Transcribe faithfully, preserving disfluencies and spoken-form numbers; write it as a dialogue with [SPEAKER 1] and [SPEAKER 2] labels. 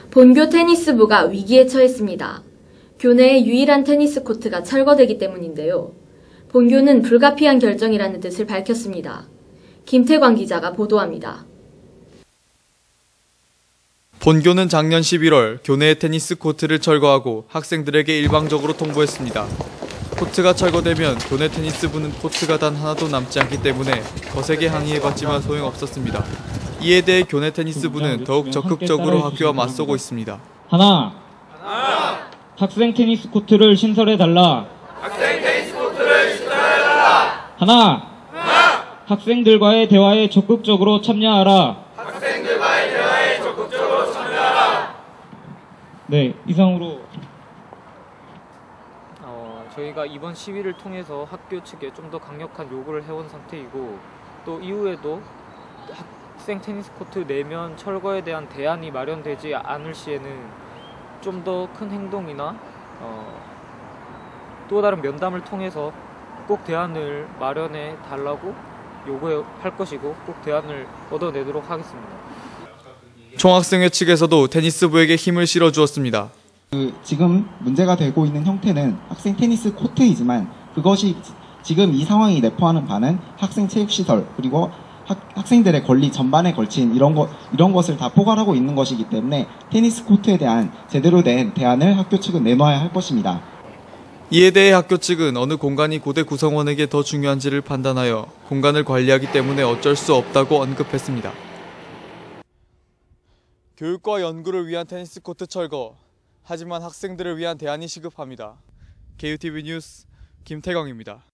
[SPEAKER 1] 본교 테니스부가 위기에 처했습니다. 교내의 유일한 테니스 코트가 철거되기 때문인데요. 본교는 불가피한 결정이라는 뜻을 밝혔습니다. 김태광 기자가 보도합니다.
[SPEAKER 2] 본교는 작년 십일월 교내의 테니스 코트를 철거하고 학생들에게 일방적으로 통보했습니다. 코트가 철거되면 교내 테니스부는 코트가 단 하나도 남지 않기 때문에 거세게 항의해봤지만 소용없었습니다. 이에 대해 교내 테니스부는 더욱 적극적으로 학교와 맞서고 있습니다.
[SPEAKER 3] 하나, 하나. 학생 테니스 코트를 신설해달라.
[SPEAKER 4] 학생 테니스 코트를 신설해달라.
[SPEAKER 3] 하나, 하나. 학생들과의 대화에 적극적으로 참여하라.
[SPEAKER 4] 학생들과의 대화에 적극적으로 참여하라.
[SPEAKER 3] 네, 이상으로
[SPEAKER 5] 어, 저희가 이번 시위를 통해서 학교 측에 좀 더 강력한 요구를 해온 상태이고, 또 이후에도 학생 테니스 코트 내면 철거에 대한 대안이 마련되지 않을 시에는 좀 더 큰 행동이나 어, 또 다른 면담을 통해서 꼭 대안을 마련해 달라고 요구할 것이고, 꼭 대안을 얻어내도록 하겠습니다.
[SPEAKER 2] 총학생회 측에서도 테니스부에게 힘을 실어주었습니다.
[SPEAKER 6] 그 지금 문제가 되고 있는 형태는 학생 테니스 코트이지만 그것이 지금 이 상황이 내포하는 바는 학생 체육시설 그리고 학, 학생들의 권리 전반에 걸친 이런 것 이런 것을 다 포괄하고 있는 것이기 때문에 테니스 코트에 대한 제대로 된 대안을 학교 측은 내놓아야 할 것입니다.
[SPEAKER 2] 이에 대해 학교 측은 어느 공간이 고대 구성원에게 더 중요한지를 판단하여 공간을 관리하기 때문에 어쩔 수 없다고 언급했습니다. 교육과 연구를 위한 테니스 코트 철거, 하지만 학생들을 위한 대안이 시급합니다. 케이유티비 뉴스 김태광입니다.